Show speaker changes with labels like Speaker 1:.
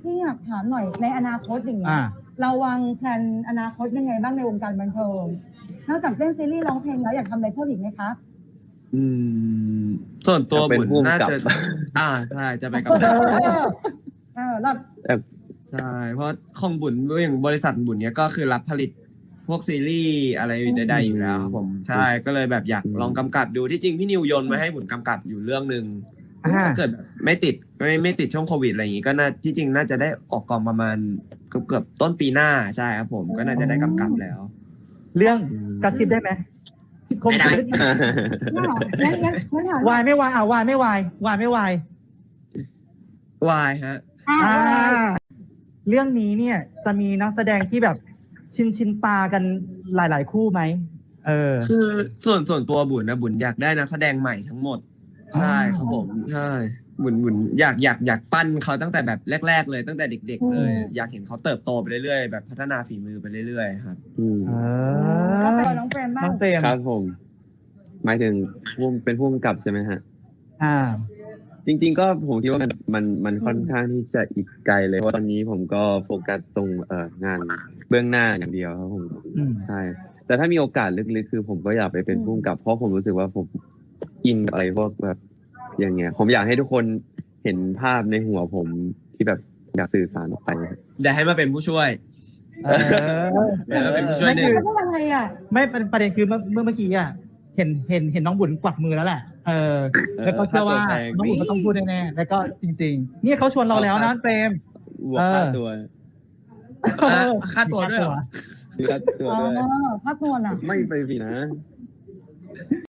Speaker 1: พี่อยากถามหน่อยในอนาคตอย่างเงี้ย
Speaker 2: อ่า
Speaker 1: เราวางแผนอนาคตยังไงบ้างในวงการบันเทิงนอกจากเล่นซีรีส์ร้องเพลงแล้วอยากทำอะไรเพิ่มอีกไหมคะ
Speaker 3: อืมส่วนตัว
Speaker 4: เป็น
Speaker 3: บุญ
Speaker 4: ผู้กำ
Speaker 3: น่า
Speaker 4: กับ
Speaker 3: จะใช่จะไปกับ
Speaker 1: แล้ว
Speaker 3: ใช่เพราะของบุญอย่างบริษัทบุญเนี้ยก็คือรับผลิตพวกซีรีส์อะไรใดๆอยู่แล้วครับผมใช่ก็เลยแบบอยากลองกำกับดูที่จริงพี่นิวโยนมาให้บุญกำกับอยู่เรื่องนึงถ้าเกิดไม่ติดไม่ติดช่วงโควิดอะไรอย่างงี้ก็น่าที่จริงน่าจะได้ออกกองประมาณเกือบต้นปีหน้าใช่ครับผมก็น่าจะได้กำกับแล้ว
Speaker 2: เรื่องกระซิบได้ไหมคม
Speaker 3: ไม่ได้
Speaker 2: สุด
Speaker 1: งั้นถาม
Speaker 2: วายไม่วายวายไม่วายวายไม่วาย
Speaker 3: วายฮะ
Speaker 2: อ่าเรื่องนี้เนี่ยจะมีนักแสดงที่แบบชินตากันหลาย ๆ คู่ไหม
Speaker 3: คือส่วนตัวบุญนะบุญอยากได้นักแสดงใหม่ทั้งหมดใช่ครับผมใช่บุญอยากปั้นเขาตั้งแต่แบบแรกๆเลยตั้งแต่เด็กๆเลยอยากเห็นเขาเติบโตไปเรื่อยๆแบบพัฒนาฝีมือไปเรื่อยๆครับ
Speaker 1: แล้วไปน้องเฟรมบ้าง
Speaker 2: น้องเฟรม
Speaker 4: ครับผมหมายถึงเป็นผู้กำกับใช่ไหมฮะ จริงๆก็ผมคิดว่ามันค่อนข้างที่จะอีกไกลเลยเพราะตอนนี้ผมก็โฟกัสตรงงานเบื้องหน้าอย่างเดียวครับผมใช่แต่ถ้ามีโอกาสลึกๆคือผมก็อยากไปเป็นผู้กำกับเพราะผมรู้สึกว่าผมอินกับอะไรพวกแบบอย่างเงี้ยผมอยากให้ทุกคนเห็นภาพในหัวผมที่แบบอยากสื่อสารออกไป
Speaker 3: เดี๋ยวให้มาเป็นผู้ช่วยเดี๋ยวมาเป็นผู้ช่วยหนึ่ง
Speaker 1: แล้วพูดอะไรอ่ะ
Speaker 2: ไม่ประเด็นคือเมื่อกี้อ่ะเห็นน้องบุญกวักมือแล้วแหละแล้วก็เชื่อว่าน้องบุญก็ต้องพูดแน่ๆแล้วก็จริงๆนี่เขาชวนเราแล้วนะเฟรม
Speaker 4: บวกค่าตัว
Speaker 3: ค่าตัวด้วยเหรอ
Speaker 4: ค่าตัวด้วย
Speaker 1: ค่าตัวน่ะ
Speaker 4: ไม่ไปสินะ